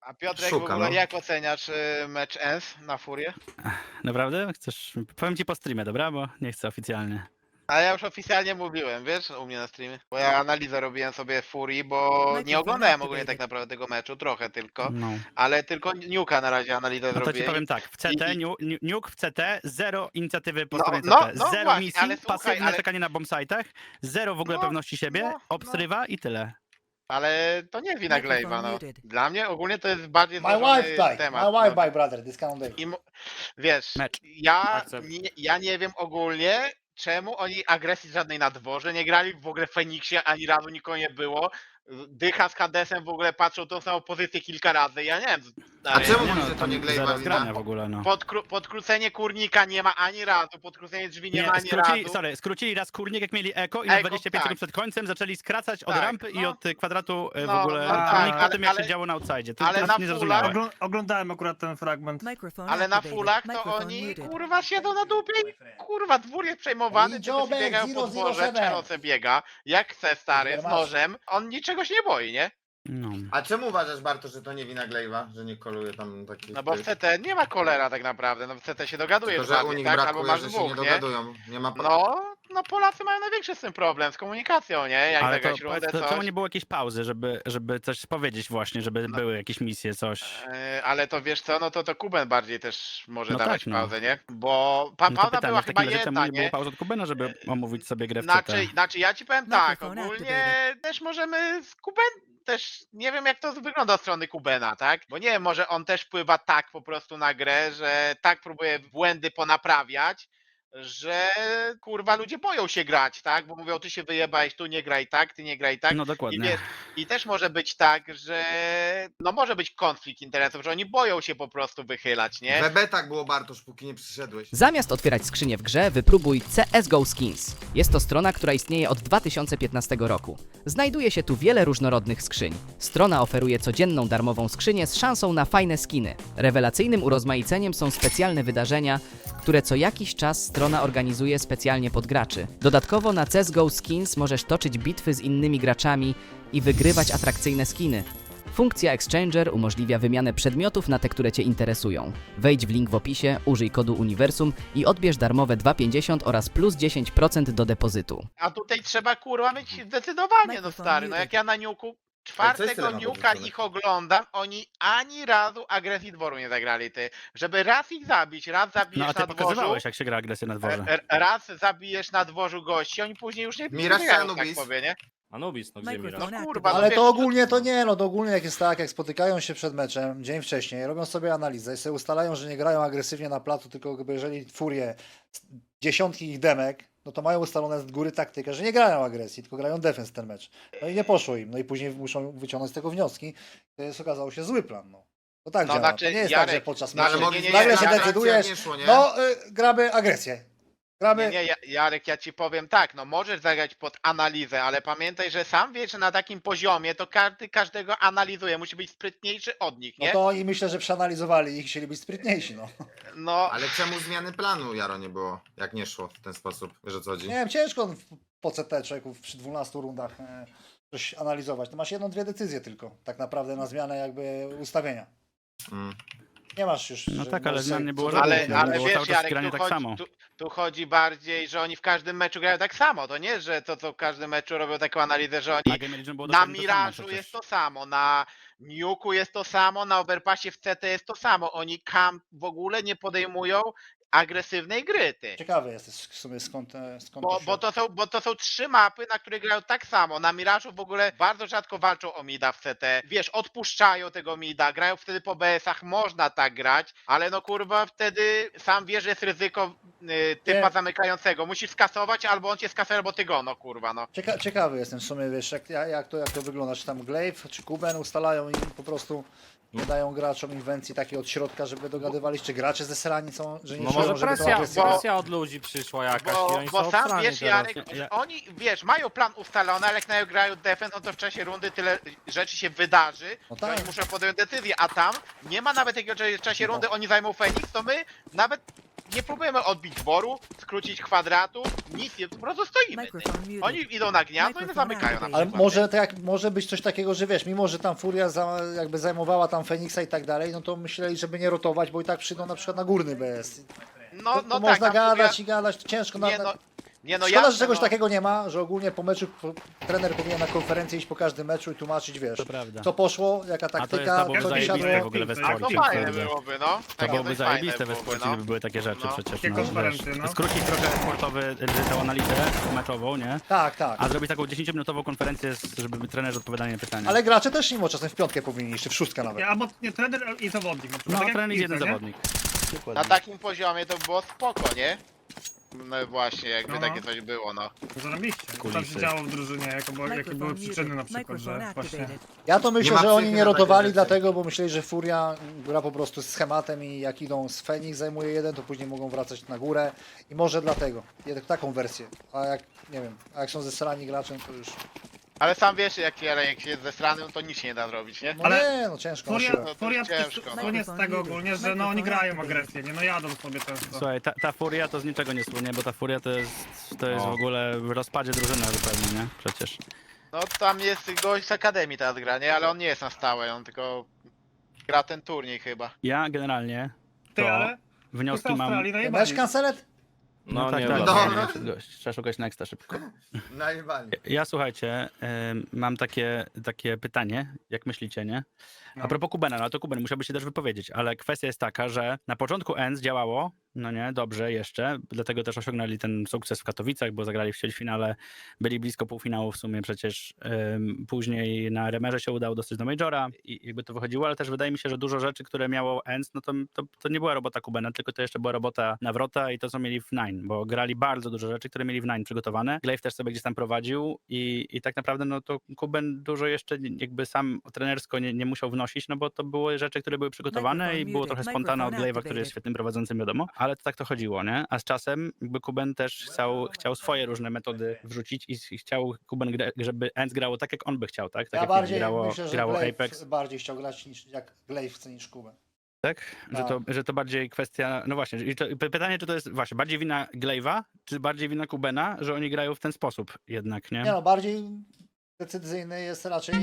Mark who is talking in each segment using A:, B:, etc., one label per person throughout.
A: A Piotrek, w
B: Szuka,
A: ogóle
B: no.
A: jak oceniasz mecz ENS na Furię?
C: Naprawdę? Chcesz? Powiem ci po streamie, dobra? Bo nie chcę oficjalnie.
A: A ja już oficjalnie mówiłem, wiesz, u mnie na streamie. Bo ja analizę robiłem sobie Furii, bo nie
D: Microphone
A: oglądałem ogólnie
D: activated.
A: tak naprawdę tego meczu, trochę tylko.
C: No.
A: Ale tylko Niuka na razie analizę
C: No to ci
A: zrobiłem.
C: powiem tak, w CT,
A: i-
C: Nuke w CT, zero inicjatywy po
A: No,
C: stronie
A: no,
C: CT,
A: no
C: zero
A: właśnie,
C: misji,
A: ale słuchaj,
C: pasywne
A: ale-
C: czekanie na bombsite'ach, zero w ogóle
A: No,
C: pewności siebie,
A: no.
C: obstrywa i tyle.
A: Ale to nie wina
D: Microphone
A: Glaive'a, no.
D: muted.
A: Dla mnie ogólnie to jest bardziej
E: My
A: złożony
E: wife died.
A: temat.
E: My wife
A: no.
E: died, brother. This kind of day.
A: Wiesz,
C: Mecz.
A: ja nie wiem ogólnie, czemu oni agresji żadnej na dworze nie grali, w ogóle w Feniksie ani razu nikogo nie było. Dycha z Hadesem w ogóle patrzą tą samą pozycję kilka razy, ja nie wiem.
B: A czemu
C: Nie
B: mówisz,
C: no,
B: że to
C: tam
B: nie
C: zero
B: Glaive'a
C: zgrania
B: wina?
C: w ogóle, no.
A: Podkrócenie kurnika nie ma ani razu, podkrócenie drzwi nie, ma ani razu.
C: Skrócili raz kurnik jak mieli eko i na
A: Eko,
C: 25
A: tak.
C: sekund przed końcem zaczęli skracać od
A: Tak,
C: rampy i
A: no.
C: od kwadratu w
A: No,
C: ogóle
A: no
C: kurnik
A: tak,
C: po tym jak
A: ale-
C: się działo na outside. To
A: ale
C: jest
A: na
C: niezrozumiałe.
A: fullach-
F: Oglądałem akurat ten fragment.
D: Microphone
A: Ale na
D: activated.
A: fullach to
D: Microphone
A: oni
D: muted.
A: kurwa siedzą na dupie i kurwa dwór jest przejmowany,
E: Joe
A: czy biegają po
E: 007.
A: dworze, Czernoce biega, jak chce stary, z
E: Super
A: nożem, on niczego się nie boi, nie?
C: No.
B: A czemu uważasz, Bartosz, że to nie wina Glaive'a, że nie koluje tam takich...
A: No bo w CT nie ma kolera tak naprawdę, no w CT się dogadujesz
B: Tylko, że u
A: bardziej,
B: nich
A: tak? Albo
B: brakuje,
A: masz
B: że się
A: dwóch,
B: nie
A: nie?
B: dogadują. Nie ma...
A: No Polacy mają największy z tym problem, z komunikacją, nie? Jak
C: Ale
A: zagrać rundę,
C: to czemu
A: coś.
C: nie było jakiejś pauzy, żeby coś powiedzieć właśnie, żeby
A: No.
C: były jakieś misje, coś.
A: Ale to wiesz co, no to Kuben bardziej też może
C: No
A: dawać
C: tak, no.
A: pauzę, nie? Bo
C: No to
A: pauza
C: pytanie,
A: była
C: w
A: chyba
C: takim razie czemu
A: jedna,
C: nie było
A: nie?
C: pauzy od Kubena, żeby omówić sobie grę w
A: Znaczy ja ci powiem tak,
D: Microphone
A: ogólnie
D: activated.
A: też możemy z też nie wiem jak to wygląda od strony Kubena, tak? Bo nie wiem, może on też wpływa tak po prostu na grę, że tak próbuje błędy ponaprawiać, że kurwa ludzie boją się grać, tak? Bo mówią, ty się wyjebałeś, tu nie graj tak, ty nie graj tak.
C: No
A: I
C: dokładnie.
A: wiesz, i też może być tak, że no może być konflikt interesów, że oni boją się po prostu wychylać, nie?
B: We betach było, Bartosz, póki nie przyszedłeś.
G: Zamiast otwierać skrzynię w grze, wypróbuj CSGO Skins. Jest to strona, która istnieje od 2015 roku. Znajduje się tu wiele różnorodnych skrzyń. Strona oferuje codzienną darmową skrzynię z szansą na fajne skiny. Rewelacyjnym urozmaiceniem są specjalne wydarzenia, które co jakiś czas strona organizuje specjalnie pod graczy. Dodatkowo na CSGO Skins możesz toczyć bitwy z innymi graczami i wygrywać atrakcyjne skiny. Funkcja Exchanger umożliwia wymianę przedmiotów na te, które Cię interesują. Wejdź w link w opisie, użyj kodu Uniwersum i odbierz darmowe 2,50 oraz plus 10% do depozytu.
A: A tutaj trzeba kurwa mieć zdecydowanie, no stary, no jak ja na Niuku czwartego
B: tyle ma
A: Niuka
B: podrzucone.
A: ich oglądam, oni ani razu agresji dworu nie zagrali, ty. Żeby raz ich zabić, raz
C: No
A: zabijesz
C: a ty
A: na dworzu,
C: pokazywałeś, jak się gra agresję na dworze.
A: raz zabijesz na dworzu gości, oni później już nie
B: Miraż czy
A: biegają, tak
B: Anubis?
A: powie, nie?
F: Anubis, no gdzie Miraż?
D: Microphone
A: kurwa,
D: activated.
A: no
E: Ale
A: wiesz,
E: to ogólnie to nie, no to ogólnie jak jest tak, jak spotykają się przed meczem dzień wcześniej, robią sobie analizę i sobie ustalają, że nie grają agresywnie na placu, tylko jakby jeżeli Furie dziesiątki ich demek, no to mają ustalone z góry taktykę, że nie grają agresji, tylko grają defens ten mecz. No i nie poszło im, no i później muszą wyciągnąć z tego wnioski. To jest okazało się zły plan, no. To tak
A: No
E: działa.
A: znaczy,
E: To nie jest tak, że
A: Jarek,
E: podczas
A: no,
B: Ale
E: meczu
A: nie, nie,
E: nagle
A: nie,
E: się
A: Jarek,
E: decydujesz,
B: nie szło, nie?
E: no gramy agresję. Gramy...
A: Nie, Jarek, ja ci powiem tak, no możesz zagrać pod analizę, ale pamiętaj, że sam wiesz, że na takim poziomie to każdy każdego analizuje, musi być sprytniejszy od nich,
E: No
A: nie?
E: to oni myślę, że przeanalizowali ich, chcieli być sprytniejsi, no.
A: No,
B: Ale czemu zmiany planu, Jaro, nie było, jak nie szło w ten sposób? Wiesz o co chodzi?
E: Nie wiem, ciężko po CT człowieku przy 12 rundach coś analizować. To masz jedną, dwie decyzje tylko, tak naprawdę na zmianę jakby ustawienia.
B: Mm.
E: Nie masz już...
C: No
E: że
C: tak, ale
E: możesz
C: zmian
E: sobie
C: nie było
E: co zrobić.
C: żadnych,
A: ale
C: było
A: wiesz,
C: cały czas
A: Jarek,
C: granie tak samo.
A: tu chodzi bardziej, że oni w każdym meczu grają tak samo. To nie, że to co w każdym meczu robią taką analizę, że
C: Na
A: oni
C: Game Legion było
A: na
C: dokładnie to samo
A: Mirażu
C: przecież.
A: jest to samo, na Niuku jest to samo, na Overpassie w CT jest to samo. Oni camp w ogóle nie podejmują agresywnej gry, ty.
E: Ciekawy jesteś w sumie skąd to się...
A: Bo to są trzy mapy, na których grają tak samo. Na Mirażu w ogóle bardzo rzadko walczą o mida w CT. Wiesz, odpuszczają tego mida, grają wtedy po BS-ach, można tak grać, ale no kurwa wtedy sam wiesz, że jest ryzyko typa
E: Nie.
A: zamykającego. Musisz skasować, albo on cię skasuje, albo ty go, no kurwa, no.
E: Ciekawy jestem w sumie, wiesz, jak to wygląda, czy tam Glaive, czy Kuben ustalają i po prostu nie dają graczom inwencji takiej od środka, żeby dogadywali, czy gracze zesrani są, że nie
F: No
E: czują,
F: może
E: żeby to
F: presja,
E: agresja...
F: presja od ludzi przyszła jakaś i oni
A: Bo
F: są
A: sam
F: obstrani
A: wiesz,
F: teraz.
A: Jarek, że oni, wiesz, mają plan ustalony, ale jak na grają defense, no to w czasie rundy tyle rzeczy się wydarzy,
E: No
A: że
E: tak.
A: oni muszą podjąć decyzję, a tam nie ma nawet takiego, że w czasie rundy oni zajmą Feniks, to my nawet nie próbujemy odbić dworu, skrócić kwadratu, nic, nie, po prostu stoimy. Ty. Oni idą na gniazdo i nas zamykają na
E: Ale
A: przykład.
E: może, tak, może być coś takiego, że wiesz, mimo że tam Furia jakby zajmowała tam Feniksa i tak dalej, no to myśleli, żeby nie rotować, bo i tak przyjdą na przykład na górny BS.
A: No,
E: To
A: no tak,
E: można
A: tam
E: gadać i gadać, to ciężko.
A: nie no,
E: Szkoda,
A: jasne,
E: że czegoś
A: no.
E: takiego nie ma, że ogólnie po meczu trener powinien na konferencję iść po każdym meczu i tłumaczyć, wiesz,
C: To prawda.
E: co poszło, jaka
C: A to jest
E: taktyka,
C: to byłoby
E: co nie
C: zajebiste w
E: siadło.
C: ogóle we
A: A
C: sporcie.
A: to fajne
C: naprawdę.
A: byłoby, no.
C: To
A: Takie
C: byłoby
A: coś
C: zajebiste
A: fajne
C: we
A: byłoby,
C: sporcie,
A: no.
C: gdyby były takie rzeczy
A: No.
C: przecież.
F: Takie
C: No,
F: konferencje,
C: wiesz,
F: no.
C: skrócić trochę sportowy, tą analizę meczową, nie?
E: Tak, tak.
C: A zrobić taką 10-minutową konferencję, żeby trenerzy odpowiadali na pytania.
E: Ale gracze też mimo czasem w piątkę powinni iść, czy w szóstkę nawet.
F: Nie, albo nie, trener i zawodnik. Na przykład,
C: No,
F: tak jak
C: trener i
F: w
C: jeden
F: piłce, nie?
C: zawodnik.
A: Na
C: Dokładnie.
A: takim poziomie to by było spoko, nie? No właśnie, jakby
F: No.
A: takie coś było, no.
F: Zarobiście. Co tam
C: Kulisy.
F: się działo w drużynie, jakie były przyczyny na przykład, że właśnie...
E: Ja to myślę,
B: ma
E: że oni
B: psychy
E: nie
B: na takie
E: rotowali
B: rzeczy.
E: dlatego, bo myśleli, że Furia gra po prostu z schematem i jak idą z Fenix zajmuje jeden, to później mogą wracać na górę i może dlatego. Taką wersję. A jak, nie wiem, a jak są zesrani graczem, to już...
A: Ale sam wiesz, jak się jest zesranym, to nic się nie da zrobić, nie?
E: No
F: Ale
E: nie, no ciężko na
F: Furia,
E: siłę.
A: No to
F: Furia
A: jest ciężko, no.
F: słynie z tego ogólnie, że no oni grają agresję, nie? No jadą sobie często.
C: Słuchaj, ta furia to z niczego nie słynie, bo ta furia to jest w ogóle w rozpadzie drużyny zupełnie, nie? Przecież.
A: No tam jest gość z Akademii teraz gra, nie? Ale on nie jest na stałe, on tylko gra ten turniej chyba.
C: Ja generalnie
F: Ty,
C: to
F: ale
C: wnioski
F: w
C: mam...
F: Australii
E: Mecz
F: najebali.
E: kancelet?
C: No, tak,
D: nie
C: tak,
B: dobra.
C: nie, gość, trzeba szukać nexta szybko.
B: Najebali.
C: Ja słuchajcie, mam takie pytanie, jak myślicie, nie?
F: No.
C: A propos Kubena, no to Kuben musiałby się też wypowiedzieć, ale kwestia jest taka, że na początku ENS działało, no nie, dobrze jeszcze, dlatego też osiągnęli ten sukces w Katowicach, bo zagrali w ćwierćfinale, byli blisko półfinału w sumie przecież, później na Remerze się udało dostać do Majora i jakby to wychodziło, ale też wydaje mi się, że dużo rzeczy, które miało ENS, no to nie była robota Kubena, tylko to jeszcze była robota Nawrota i to, co mieli w Nine, bo grali bardzo dużo rzeczy, które mieli w Nine przygotowane. Glaive też sobie gdzieś tam prowadził i tak naprawdę no to Kuben dużo jeszcze jakby sam trenersko nie musiał wnosić, no bo to były rzeczy, które były przygotowane i było trochę spontana od Glaive'a, który jest świetnym prowadzącym, wiadomo, ale to tak to chodziło, nie? A z czasem jakby Kuben też chciał swoje różne metody wrzucić i chciał Kuben, żeby ENS grało tak, jak on by chciał, tak? Tak
E: Ja
C: jak
E: bardziej
C: grało,
E: myślę, że
C: grało
E: Glaive
C: Apex.
E: bardziej chciał grać niż jak Glaive chce niż Kuben.
C: Tak? Że to bardziej kwestia, no właśnie, i pytanie, czy to jest właśnie bardziej wina Glaive'a, czy bardziej wina Kubena, że oni grają w ten sposób jednak, nie?
E: Nie no, bardziej decyzyjny jest raczej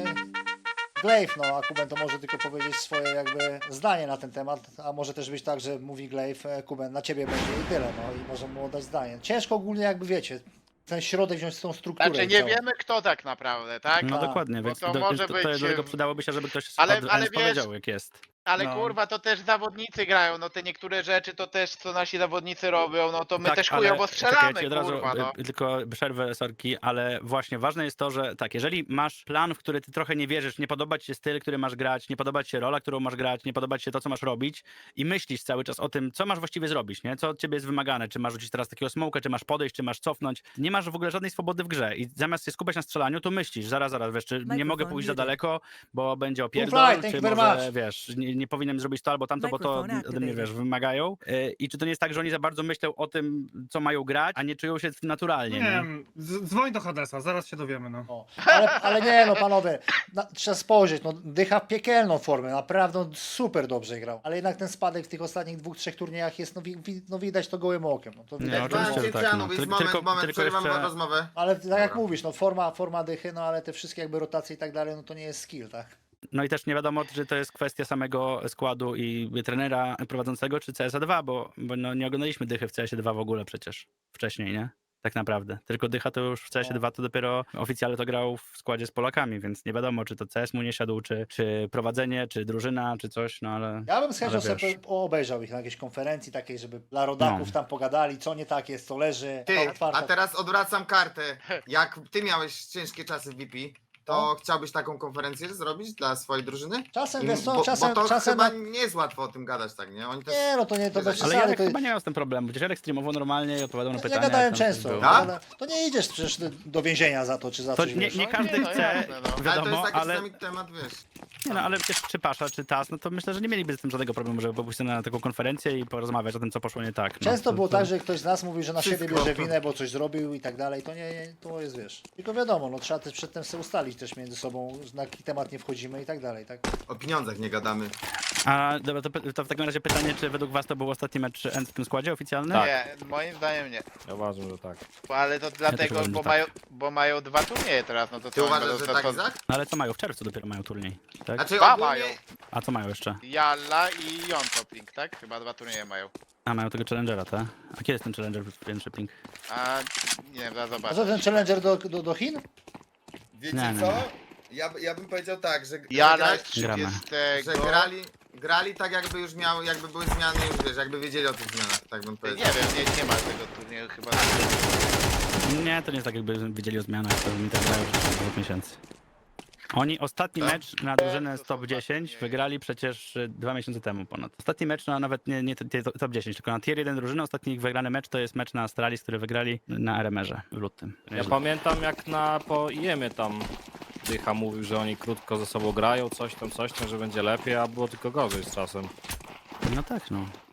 E: Glaive, no a Kuben to może tylko powiedzieć swoje jakby zdanie na ten temat, a może też być tak, że mówi Glaive, Kuben, na ciebie będzie i tyle, no i może mu oddać zdanie. Ciężko ogólnie jakby wiecie, ten środek wziąć z tą strukturę.
A: Znaczy nie
E: całą.
A: wiemy kto tak naprawdę, tak?
C: No
E: Tak.
C: dokładnie,
A: Bo
C: więc
A: to
C: do,
A: może
C: to,
A: być,
C: to dlatego przydałoby się, żeby ktoś
A: ale-
C: od
A: ale
C: ENS
A: wiesz-
C: powiedział, jak jest.
A: Ale
C: No.
A: kurwa, to też zawodnicy grają, no te niektóre rzeczy to też co nasi zawodnicy robią, no to my
C: Tak,
A: też
C: ale
A: chujowo strzelamy,
C: czekajcie, od razu,
A: kurwa, no.
C: tylko przerwę, sorki, ale właśnie ważne jest to, że tak, jeżeli masz plan, w który ty trochę nie wierzysz, nie podoba ci się styl, który masz grać, nie podoba ci się rola, którą masz grać, nie podoba ci się to, co masz robić i myślisz cały czas o tym, co masz właściwie zrobić, nie? Co od ciebie jest wymagane, czy masz rzucić teraz takiego smoka, czy masz podejść, czy masz cofnąć, nie masz w ogóle żadnej swobody w grze i zamiast się skupiać na strzelaniu, to myślisz, zaraz, wiesz, czy nie mogę pójść za daleko, bo będzie opierdol,
E: fly, thank
C: czy
E: you very
C: może,
E: much.
C: wiesz, nie powinienem zrobić to albo tamto, bo to ode mnie, wiesz, wymagają. I czy to nie jest tak, że oni za bardzo myślą o tym, co mają grać, a nie czują się naturalnie,
F: Nie
C: nie?
F: wiem, dzwoń do Hadesa, zaraz się dowiemy, no.
E: O, ale nie no panowie, trzeba spojrzeć, no dycha piekielną formę, naprawdę on super dobrze grał, ale jednak ten spadek w tych ostatnich 2-3 turniejach jest, no widać to gołym okiem, no to
C: Nie,
E: widać.
C: oczywiście, że tak, no.
B: Moment, przerywam
C: jeszcze-
B: rozmowę.
E: Ale tak jak
B: Dobra.
E: mówisz, no forma dychy, no ale te wszystkie jakby rotacje i tak dalej, no to nie jest skill, tak?
C: No i też nie wiadomo, czy to jest kwestia samego składu i trenera prowadzącego, czy CSA 2, bo no nie oglądaliśmy dychy w CS 2 w ogóle przecież wcześniej, nie? Tak naprawdę. Tylko dycha to już w CS 2 to dopiero oficjalnie to grał w składzie z Polakami, więc nie wiadomo, czy to CS mu nie siadł, czy prowadzenie, czy drużyna, czy coś, no ale...
E: Ja bym z chęcią
C: Ale wiesz.
E: sobie obejrzał ich na jakiejś konferencji takiej, żeby dla rodaków tam pogadali, co nie tak jest, co leży,
B: Ty,
E: otwarta.
B: a teraz odwracam kartę. Jak ty miałeś ciężkie czasy w VP, to
E: No.
B: chciałbyś taką konferencję zrobić dla swojej drużyny?
E: Czasem,
B: I-
E: wiesz co,
B: bo
E: czasem,
B: to
E: czasem...
B: chyba nie jest łatwo o tym gadać, tak, nie? Oni też...
E: Nie, no to nie, to bez
B: Ale
C: Ale
E: przesady,
C: Jarek
E: to
C: chyba nie miał z tym problemu, przecież Jarek streamował normalnie i odpowiadał na
E: ja
C: pytania.
E: gadałem
C: jak tam coś
E: często,
C: było.
B: Tak?
E: to nie idziesz przecież do więzienia za to, czy za
C: To
E: coś,
C: nie,
E: wiesz.
C: nie
A: No
C: każdy
A: nie, no
C: chce,
A: jasne, no.
B: Ale to
C: wiadomo,
B: jest taki
C: ale...
B: sami temat, wiesz.
C: Nie no, ale przecież czy Pasza, czy TAS, no to myślę, że nie mieliby z tym żadnego problemu, żeby pójść na taką konferencję i porozmawiać o tym, co poszło nie tak. No,
E: Często było tak, że ktoś z nas mówił, że na siebie
B: Wszystko.
E: bierze winę, bo coś zrobił i tak dalej. To nie, to jest, wiesz. Tylko wiadomo, no trzeba też przedtem sobie ustalić też między sobą, na jaki temat nie wchodzimy i tak dalej, tak?
B: O pieniądzach nie gadamy.
C: A dobra, to w takim razie pytanie, czy według was to był ostatni mecz End w tym składzie oficjalny?
D: Tak.
A: Nie, moim zdaniem nie.
D: Ja uważam, że tak.
A: Ale to dlatego,
C: uważam,
A: bo,
C: że tak.
A: mają 2 turnieje teraz, no to
B: Ty
A: co, oni
B: uważasz,
A: będą
B: że tak,
A: to-
B: Izak?
C: No ale co mają? W czerwcu dopiero mają turniej, tak?
B: Znaczy
A: Dwa
B: ogólnie...
A: mają.
C: A co mają jeszcze?
A: Jalla i Jontoping, tak? Chyba 2 turnieje mają.
C: A, mają tego Challengera, tak? A kiedy jest ten Challenger większy ping?
A: A nie wiem, zaraz
E: A
A: zobaczę.
E: co ten Challenger do Chin?
B: Wiecie
C: Nie, nie,
B: co?
C: nie.
B: Ja bym powiedział tak, że
A: Jalla jest
C: Gramy.
A: 30.
B: że grali tak jakby już jakby były zmiany już wiesz, jakby wiedzieli o tych zmianach, tak bym
A: Nie
B: powiedział.
A: wiem, nie ma tego turnieju chyba.
C: Nie, to nie jest tak, jakby wiedzieli o zmianach, to mi tak grają już 2 miesięcy. Oni ostatni
B: Tak?
C: mecz na drużynę
A: To
C: z
A: są
C: top
A: dwa
C: 10
A: turnieje.
C: wygrali przecież 2 miesiące temu ponad. Ostatni mecz, no nawet nie top 10, tylko na tier 1 drużyny, ostatni ich wygrany mecz to jest mecz na Astralis, który wygrali na RMR-ze w lutym.
D: Ja pamiętam jak po IEM-ie tam Dycha mówił, że oni krótko ze sobą grają, coś tam, że będzie lepiej, a było tylko gorzej z czasem.
C: No tak, no.